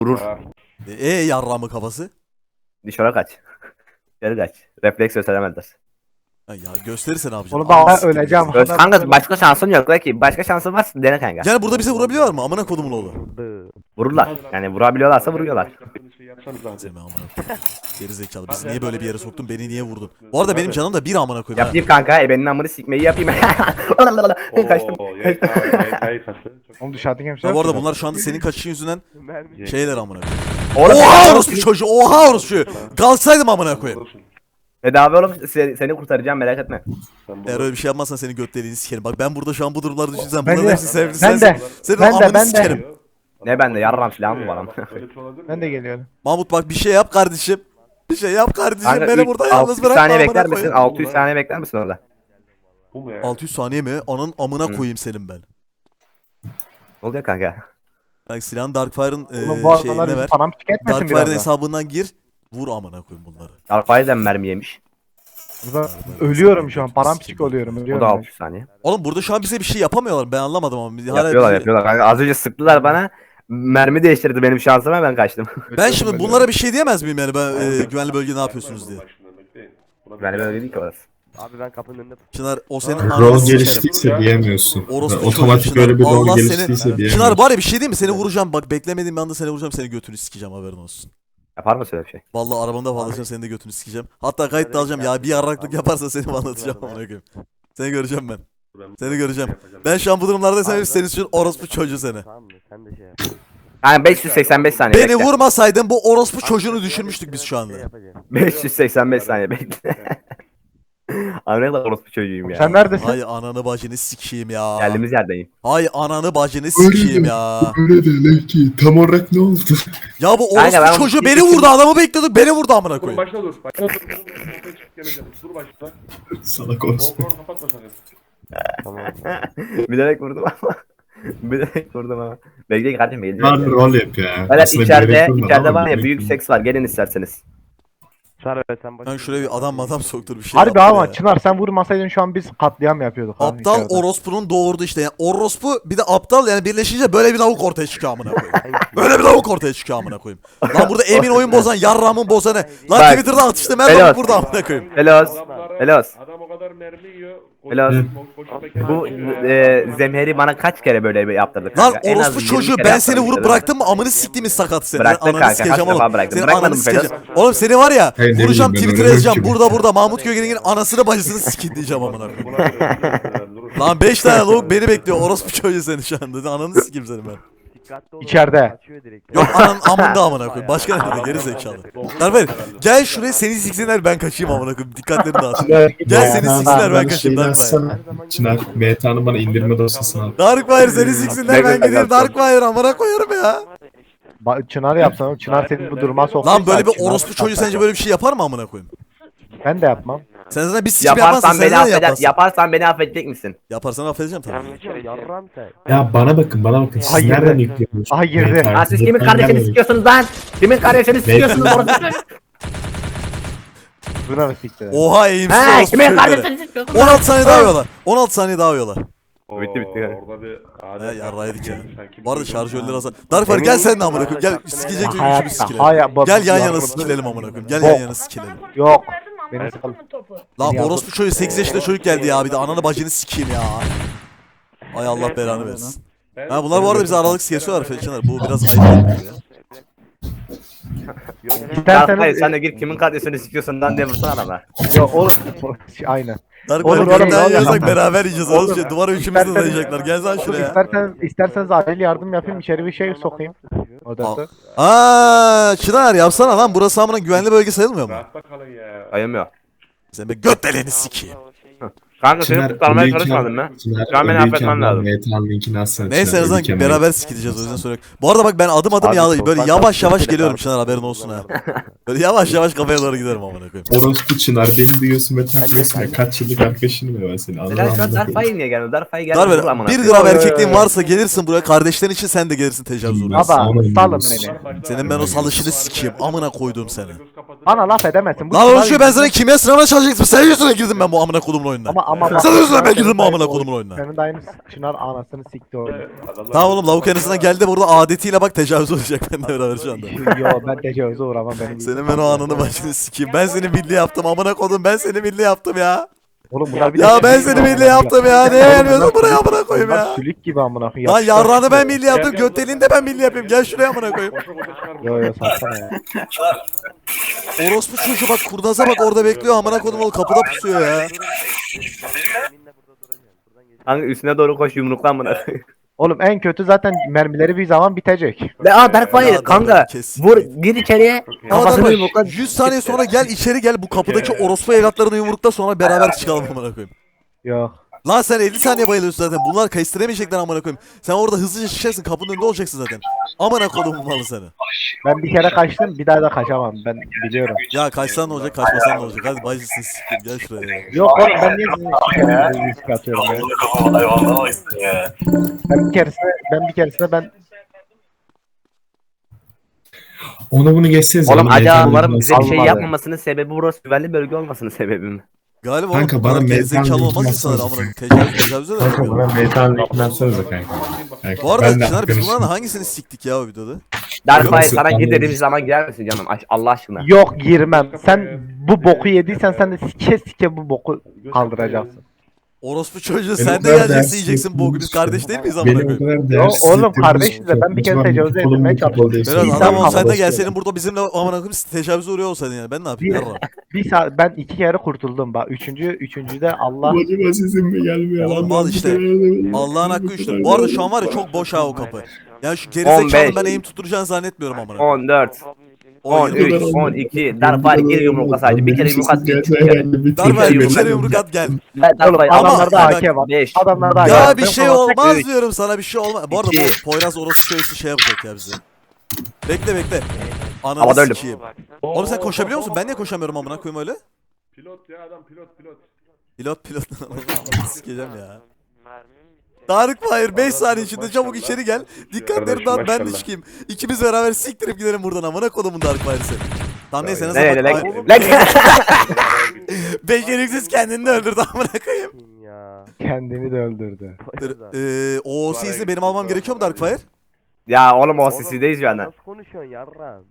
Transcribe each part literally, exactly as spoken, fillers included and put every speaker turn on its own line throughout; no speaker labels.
Vurur.
Ha.
E, e yarramı kafası.
Dışarı kaç. Geri kaç. Refleks gösteremezler.
Ha, ya gösterirse ne yapacaksın?
Onu da
Anasını
öleceğim.
sikeyim.
Öz, kanka başka şansın yok la ki. Başka şansın varsa dene kanka.
Yani burada bize vurabiliyorlar mı? Amına kodumun oğlu.
Vururlar. Yani vurabiliyorlarsa vuruyorlar.
Şey yapsanız lan.
Seni amına koyayım. Geri zekalı. Bizi niye böyle bir yere soktun? Beni niye vurdun? Bu arada benim canım da bir amına koyayım. ha.
Yapayım kanka. Ebenin amını sikmeyi yapayım. Kaçtım.
Oo, Y K, Y K'yı kaçtı. Çok-
Oğlum dışarıda kimse
Ya
yok.
bu arada
mu?
bunlar şu anda senin kaçışın yüzünden
Y K.
şeyler amına koyayım.
Oğlum,
Oha orospu çocuğu. Oha orospu. Kalsaydım amına koyayım.
Tedavi oğlum seni, seni kurtaracağım merak etme.
Sen bunu-
Eğer öyle bir şey yapmazsan seni göt deliğini sikerim. Bak ben burada şu an bu durumlarda düşünsem
Ben
bunların
de-
hepsini sevdim.
ben
Sen,
de,
senin
ben de,
amını
ben de.
sikerim.
Ne bende yarram silahım mı var ama.
Öyle bir şey olabilir mi
Ben de
ya?
geliyorum.
Mahmut bak bir şey yap kardeşim. Bir şey yap kardeşim.
Kanka
Beni
ilk
burada
altı
yalnız
yüz
bırakma
saniye
amına
bekler misin?
koyayım.
altı yüz saniye bekler misin orada?
Bu mu ya?
altı yüz saniye mi? Anın amına koyayım senin ben.
Ne oluyor kanka?
Bak silahın Darkfire'ın
Oğlum bu
e, şeyine
adamlar
ver.
bizi param tüketmesin
Darkfire'ın
biraz da.
hesabından gir. Vur amına koyayım bunları.
Alfayzen mermi yemiş.
Burada ölüyorum şu an. Paramparçık oluyorum.
O da
Ölüyorum.
altı yüz saniye.
Oğlum burada şu an bize bir şey yapamıyorlar. Ben anlamadım ama. Hala
Yapıyorlar
bir-
yapıyorlar. Kanka az önce sıktılar bana. Mermi değiştirdi benim şansıma ben kaçtım.
Ben şimdi bunlara bir şey diyemez miyim yani ben e, güvenli bölge ne yapıyorsunuz diye.
Bak şimdi, bekleyin. Buna
Yani
bir-
böyle değil ki orası.
Abi ben kapının önünde
Çınar o senin
Rol
ananı
Rol
sikerim.
geliştiyse diyemiyorsun.
Orospu
Otomatik
çocuğu
böyle bir
Çınar.
rol
Allah
geliştiyse
seni...
diyemiyorsun.
Çınar bari bir şey diyeyim mi? Seni vuracağım bak beklemediğim bir anda seni vuracağım seni götünü sikeceğim haberin olsun.
Yapar mısın öyle bir şey?
Vallahi arabamda bağlayacağım seni de götünü sikeceğim. Hatta kayıt da alacağım ya bir yarraklık yaparsa seni anlatacağım amına koyayım. Seni göreceğim ben. Seni göreceğim. Ben şu an bu durumlardayım hep senin için orospu çocuğu seni.
tamam mı? Sen de şey yap.
Yani beş yüz seksen beş saniye
Beni
bekle.
vurmasaydın bu orospu çocuğunu düşürmüştük biz şu anda.
Şey yapacağım.
beş yüz seksen beş saniye bekle. Abi ne kadar orospu çocuğuyum ya.
Sen neredesin?
Hay ananı bacını sikeyim ya.
Geldiğimiz yerdeyim.
Hay ananı bacını sikeyim ya.
Öyle de ki tam olarak ne oldu?
Ya bu
Kanka ben
orospu
onu
çocuğu
bir-
beni vurdu adamı bekliyorduk beni vurdu amına
Dur
koyayım.
başla dur. Başla dur. Dur, dur, dur, çıkıp geleceğim. Dur başla.
Salak olsun.
Volkan'ı kapatma sakın.
Tamam.
Bilerek vurdum ama. Bilerek vurdum ama. Bekleyin kardeşim
Var
geleceğim.
rol yap ya.
Böyle
Aslında
içeride,
gerek yok
içeride
ama
var ya
gerek
büyük
yok.
seks var gelin isterseniz.
Sarı sen başla.
Ben şuraya bir adam adam soktur bir şey
Harbi
yaptı
ama
ya.
Çınar sen vurmasaydın şu an biz katliam yapıyorduk. abi
Aptal
içeride.
orospunun doğurdu işte. Yani orospu bir de aptal yani birleşince böyle bir lavuk ortaya çıkıyor amına koyayım. Böyle bir lavuk ortaya çıkıyor amına koyayım. Lan burada Emin oyun bozan, yarramın bozanı. Lan
Bak.
Twitter'da atıştı
Helal.
Merdan burada amına koyayım.
Helos.
Adamlara-
Helos.
Adam o kadar mermi yiyor.
Helal. Bu e, zemheri bana kaç kere böyle yaptırdık
Lan
kanka? En az
orospu
yirmi
çocuğu
kere
ben seni
yaptırdık
vurup
dedim.
bıraktım mı amını siktiğimiz sakat seni.
Bıraktık
Ananı
kanka,
sikeceğim
kaç
oğlum.
defa bıraktım.
Senin
Bırakmadın
ananı
mı
sikeceğim.
Ferhat?
Oğlum seni var ya
Hey, ne
vuracağım
bileyim ben,
Twitter'a
öyle
yazacağım.
yok ki
Burada burada Mahmut Gögen'in anasını bacısını sikin diyeceğim amına koyayım.
Lan
Lan beş tane lavuk beni bekliyor. Orospu çocuğu seni şu anda. Ananı sikeyim seni ben.
Dikkatli ol.
İçeride.
Kaçıyor direkt.
Yok anan amında amına koyayım. Başka nerede geri zekalı. Darber gel şuraya seni siksinler ben kaçayım amına koyayım. Dikkatlerini dağıt. Gel seni siksinler ben kaçayım Darkfire.
Çınar, M T A'nın bana indirme dosyasını al.
Darkfire seni siksinler ben gideyim Darkfire amına koyarım ya.
Ba- Çınar yapsana. Çınar seni bu duruma soktu.
Lan böyle bir orospu çocuğu sence böyle bir şey yapar mı amına koyayım?
Ben de yapmam.
Sen zaten bir sikim yapmazsın
Yaparsan
sen
beni
zaten
affeder,
yaparsın.
yaparsan beni affedecek misin?
Yaparsan affedeceğim tabii.
Yarram sen.
Ya bana bakın bana bakın. Siz
Hayır.
nereden yüklüyorsunuz?
Aha, girdi.
M T A?
Ha siz kimin
Ben
kardeşini
nereden-
sikiyorsunuz lan? Kimin kardeşini sikiyorsunuz orası?
Buna mı sikti?
Oha eğimsiz
He
orospu
kimin
çocukları.
kardeşini sikiyorsunuz?
on altı saniye daha yiyorlar. on altı saniye daha yiyorlar.
Bitti, bitti yani.
Orada bir
He yarraydık ya.
Sanki
Bu arada
bir-
şarjörleri azal. Darkfire gel sen de amına koyayım. Gel sikecek gibi üçümüz
Hayatta.
sikelim.
Hayır. bak-
Gel yan yana
yardım-
sikelim amına koyayım. Gel
Bok.
yan yana sikelim.
Yok.
Beni
Beni
sal. Topu.
Lan
Ya bu-
orospu çocuğu sekiz yaşında çocuk geldi ya bir de ananı bacını sikeyim ya. Ay Allah belanı versin.
Ben-
Ha bunlar bu arada bize aralık kesiyorlar Felçinler. Bu biraz ayıp oldu ya.
İsterseniz...
Hayır sen de git kimin kardeşini sikiyorsun lan diye vursana adama.
Yok oğlum. Aynen.
Dark
Olur,
Order
oğlum,
kimden
olur.
yiyorsak beraber yiyeceğiz.
Olur.
Oğlum şey, duvara üçümüz de
İsterseniz-
dayayacaklar. Gel lan şuraya.
İsterseniz, isterseniz acil yardım yapayım. İçeri bir şey sokayım. Odası.
Aaa Çınar yapsana lan burası amına güvenli bölge sayılmıyor mu?
Rahatta kalın ya.
Ayılmıyor.
Sen be göt deliğini sikeyim.
Kanka seni kurtarmaya
ölüyken-
çalışmadın mı?
Çınar,
Şu an beni
ölüyken
affetmen
ben
lazım.
M T A'nın linkini atsana.
Neyse en
Çınar,
azından
ölüyken
beraber sikileceğiz o yüzden sonra. Bu arada bak ben adım adım
Abi,
ya böyle
korkak
yavaş yavaş
korkak
geliyorum
korkak.
Çınar haberin olsun ha. Böyle yavaş yavaş kafaya doğru giderim amına koyayım.
Orospu Çınar beni duyuyorsun ve takıyorsun ya. Kaç yıllık arkadaşınım ya ben seni.
Neden şu an
Allah'ım.
Darfay'ı niye geldi? Darfay'ı geldi.
Darber
vur amına
bir
koyayım.
gram erkekliğin varsa gelirsin buraya kardeşlerin için sen de gelirsin tecavüz uğrarsın.
Baba
Sonra
salın
yiyoruz.
beni.
Senin ben o salışını sikeyim amına koydum seni.
Göz kapat
Bana laf edemezsin. Bu
Lan
çınar
oğlum şu ben
yüzünden-
sana kimya sınavına çalışacaktım. Sen yüzüne girdim ben bu amına kodumun oyununa.
Ama ama
Sen yüzüne ben girdim bu amına kodumun oyununa.
Senin de aynı çınar anasını sikti o.
Adamlar-
Tamam oğlum lavuk arasına geldi burada adetiyle bak tecavüz olacak benimle beraber şu anda.
Yo ben tecavüze uğramam benim.
Senin ben o anını başını sikeyim. Ben seni milli yaptım amına kodum ben seni milli yaptım ya.
Oğlum bunlar bir de-
Ya ben seni milli yaptım ya. Neye gelmiyorsun buraya amına koyayım
Bunlar
ya.
sülük gibi amına koyayım.
Lan
Yapışkan
yarrağını ben
sülük.
milli yaptım. Göteliğini de ben milli yapayım. Gel şuraya amına koyayım.
Koşa koşa çıkar bu.
Yo yo satsana ya.
Orospu çocuğu bak kurdaza bak orada bekliyor amına kodum oğlum kapıda pusuyor ya.
Kanka üstüne doğru koş yumruklan buna.
Oğlum en kötü zaten mermileri bir zaman bitecek.
Ve aa Darkfire
Ya,
kanka
Dark kes.
vur gir içeriye
Ama
kafasını
bak
yumrukla.
yüz saniye sonra gel içeri gel bu kapıdaki orospu evlatlarını yumrukla sonra beraber çıkalım amına koyayım.
Yok.
Lan sen elli saniye bayılıyorsun zaten. Bunlar kayıstıramayacaklar amına koyayım. Sen orada hızlıca çıkacaksın kapının önünde olacaksın zaten. Amına kodumun malı seni.
Ben bir kere kaçtım bir daha da kaçamam ben biliyorum.
Ya kaçsan ne olacak kaçmasan ne olacak. Hadi bacısın sikim gel şuraya ya.
Yok oğlum ben niye sizin şikayetinizi risk atıyorum ya. Ben bir keresinde ben bir keresinde ben
Onu bunu geçseniz.
Oğlum
onu
acaba
meydan
bunların bize bir şey
Almadı.
yapmamasının sebebi burası güvenli bölge olmasının sebebi mi?
Galiba
Kanka,
oğlum
bana
bunlar
meydan
gerizekalı olmaz
linkini
insanlar
atsana.
amına koyayım. Tecavüz tecavüze de
Kanka
yapıyor.
bana meydan linkini atsanıza kanka. Kanka,
Bu arada
ben de
Çınar biz bunların
arkadaşım.
hangisini siktik ya o videoda?
Darkfire
Nasıl?
sana gir
Anladım.
dediğimiz zaman girer misin canım Aş- Allah aşkına?
yok girmem. Sen bu boku yediysen sen de sike sike bu boku kaldıracaksın.
Orospu çocuğu
Beni
sen
o
de
kadar
geleceksin
değersiz
yiyeceksin bu biz kardeş değil miyiz amına
Beni o
koyayım?
kadar
Yo,
değersiz
oğlum,
hissettirdiniz.
kardeşiz de ben bir kere
O zaman
tecavüze
kolum
edilmeye
kapalı
çalıştım.
değil.
Biraz
İnsan
adam ol sen de
havası.
gelseydin burada bizimle amına koyayım tecavüze uğruyor olsaydın yani ben ne yapayım
Bir-
yarra.
Bir saat ben iki kere kurtuldum bak. Üçüncü üçüncüde Allah
Acaba sizin mi gelmiyor?
Oğlum
Allah'ım
al işte.
bir kere-
Allah'ın hakkı üçtür. Bu arada şu an var ya çok boş ha o kapı. Yani şu
on
gerizekalının
beş.
ben eğim tutturacağını zannetmiyorum amına koyayım.
on dört, on
yirmi.
üç, on iki, Darkfire gir yumrukla sadece. Bir kere yumrukla gir. Bir kere.
Darbe bir
yumruk
kere
at.
yumruk at gel.
Darkfire
Ama-
adamlarda
bak-
A K var.
beş.
Adamlarda A K
Ya
var.
bir
Ben
şey
falan-
olmaz
üç.
diyorum sana bir şey olmaz. Bu arada
İki.
bu Poyraz orospu köylüsü şey yapacak ya bize. Bekle bekle. Ananı
Havada öldüm.
sikeyim. Oğlum sen koşabiliyor musun? Ben niye koşamıyorum amına koyayım öyle?
Pilot ya adam pilot pilot.
Pilot pilot. Sikeceğim ya. Darkfire beş saniye içinde çabuk içeri gel. Dikkatleri dağıt ben de
Maşallah.
çıkayım. İkimiz beraber siktirip gidelim buradan amına kodumun Darkfire'ı seni. Tamam neyse ne
Ne ne
zaman.
ne
Ay,
ne
Beceriksiz kendini de öldürdü amına koyayım.
Ya.
Kendini de öldürdü.
Eee o O C'si benim almam gerekiyor mu Darkfire?
Ya oğlum o sisideyiz şu anda.
Nasıl konuşuyorsun yarram?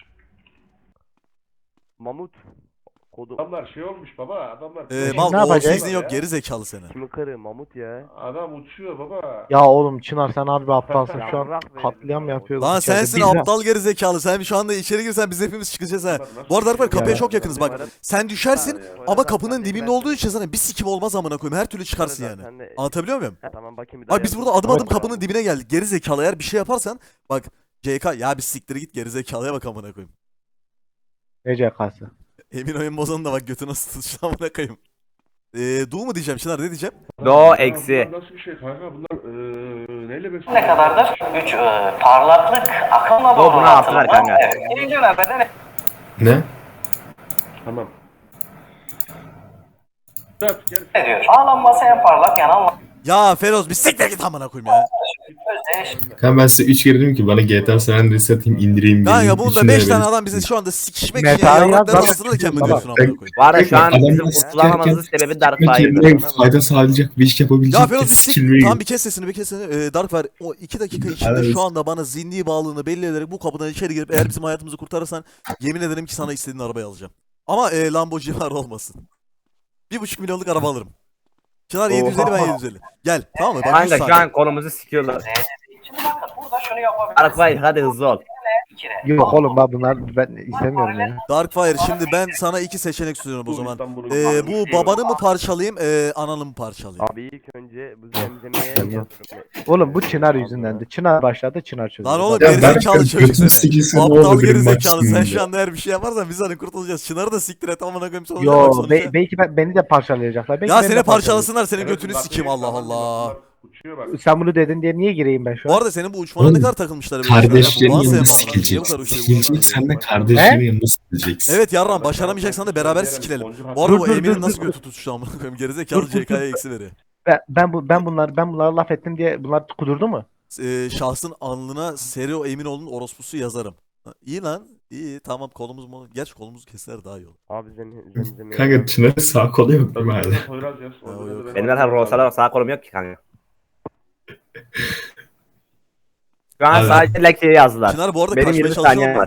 Mamut. Kodu.
Adamlar şey olmuş baba adamlar.
Eee
Şimdi
mal
ne
O
yapacağız?
C'sin yok geri zekalı seni.
Kimin karı? Mamut ya.
Adam uçuyor baba.
Ya oğlum Çınar sen harbi aptalsın şu an
Yarrak verin
katliam
bana.
yapıyorsun.
Lan
içeride.
sensin
Biz de-
aptal geri zekalı. Sen şu anda içeri girsen biz hepimiz çıkacağız ha. Bu arada Darkfire kapıya
Ya.
çok yakınız bak. Sen düşersin ama kapının dibinde olduğu için sana bir sikim olmaz amına koyayım. Her türlü çıkarsın yani.
Sen de-
Anlatabiliyor muyum?
Ha, tamam bakayım bir daha.
Abi biz
yap.
burada adım adım
Evet.
kapının dibine geldik. Geri zekalı eğer bir şey yaparsan bak C K ya bir siktir git geri zekalıya bak amına koyayım.
Ne C K'sı?
Emin oyun bozanı da bak götü nasıl tutuştu amına koyayım. Eee du mu diyeceğim Çınar ne diyeceğim?
Do eksi.
Bunlar nasıl bir şey kanka bunlar eee neyle besliyor?
Ne kadardır? üç parlaklık akımla
O
doğru
buna attılar kanka.
Birinci nöbette ne?
Ne?
Tamam. Dört gel.
diyor? A lambası en parlak yanan
Ya Feroz bir siktir git amına koyayım ya.
özdeş.
Kanka ben size üç kere dedim ki bana G T A San Andreas'ı satayım indireyim.
Kanka
geleyim,
bunda
içine
beş tane
verin.
adam bize şu anda sikişmek için
Metal
ya
yaz,
yarrakların
zaten
arasında da kendini
baba.
diyorsun amına koyayım.
Var ya şu an
Adamlar
bizim kurtulamamızın
sikerken
sebebi
Ekmek
Darkfire'dır.
yerine fayda sağlayacak bir iş yapabilecek
Ya Feroz bir
kez
sik...
sikilmeyi.
Tamam bir kes sesini bir kes sesini. Ee, Darkfire o iki dakika içinde
Evet.
şu anda bana zihni bağlılığını belli ederek bu kapıdan içeri girip eğer bizim hayatımızı kurtarırsan yemin ederim ki sana istediğin arabayı alacağım. Ama e, Lamborghini var olmasın. Bir buçuk milyonluk araba alırım. Çınar yedi yüz elli ben
Oha.
yedi yüz elli. Gel tamam mı? Bak
Kanka
yüz
şu
saniye.
an kolumuzu sikiyorlar.
Şimdi bakın burada şunu yapabiliriz.
Darkfire hadi hızlı ol.
Bir kere.
Yok oğlum ben bunlar ben istemiyorum ya.
Darkfire şimdi ben sana iki seçenek sunuyorum o zaman. Ee, bu babanı mı parçalayayım, e, ananı mı parçalayayım?
Abi ilk önce bu zemzemeye
Tamam.
yatırım.
Oğlum bu Çınar yüzündendi. Çınar başladı Çınar çözdü.
Lan oğlum
Ya
gerizekalı
ben
çocuk
götün
seni.
sikilsin ne
Aptal
oldu benim
gerizekalı sen
maksimum
şu
ya.
anda her bir şey yaparsan biz hani kurtulacağız. Çınarı da siktir et amına koyayım sonra.
Yo
bak sonuçta.
be- belki ben, beni de parçalayacaklar. Belki
Ya
beni de
seni
parçalayacaklar.
parçalasınlar senin götünü sikeyim Allah Allah.
Uçuyor bak.
Sen bunu dedin diye niye gireyim ben şu
Bu
an?
arada senin bu uçmana ne
Oğlum,
kadar takılmışlar böyle şeyler ya.
Kardeşlerin
Bu nasıl
yanına
yapamam lan? Niye bu kadar
sikileceksin.
uşağı
Sikileceksen de
vurdular?
kardeşlerin yanına sikileceksin.
Evet yarram başaramayacaksan da beraber sikilelim. Bu arada
Dur,
bu
dur,
Emir'in
dur,
nasıl
dur.
götü tutuştu amına koyayım. Gerizekalı C K'ya eksi veriyor.
Ben, ben bu ben bunlar ben bunlara laf ettim diye bunlar kudurdu mu?
Ee, şahsın alnına Serio Eminoğlu'nun orospusu yazarım. Ha, İyi lan. İyi tamam kolumuz mu? Gerçi kolumuzu keser daha iyi olur.
Abi zem- zemzemeye.
Kanka Çınar'ın sağ kolu yok değil mi
Öbüründe
hala?
de Poyraz yaz.
Ha, o
öbüründe
yok.
de
Benim
ben-
zaten rosalar sağ kolum yok ki kanka. Şu an
Abi.
sadece lekçeyi yazdılar.
Çınar bu arada
Benim
kaçmaya
yirmi saniyem
çalışıyor.
var.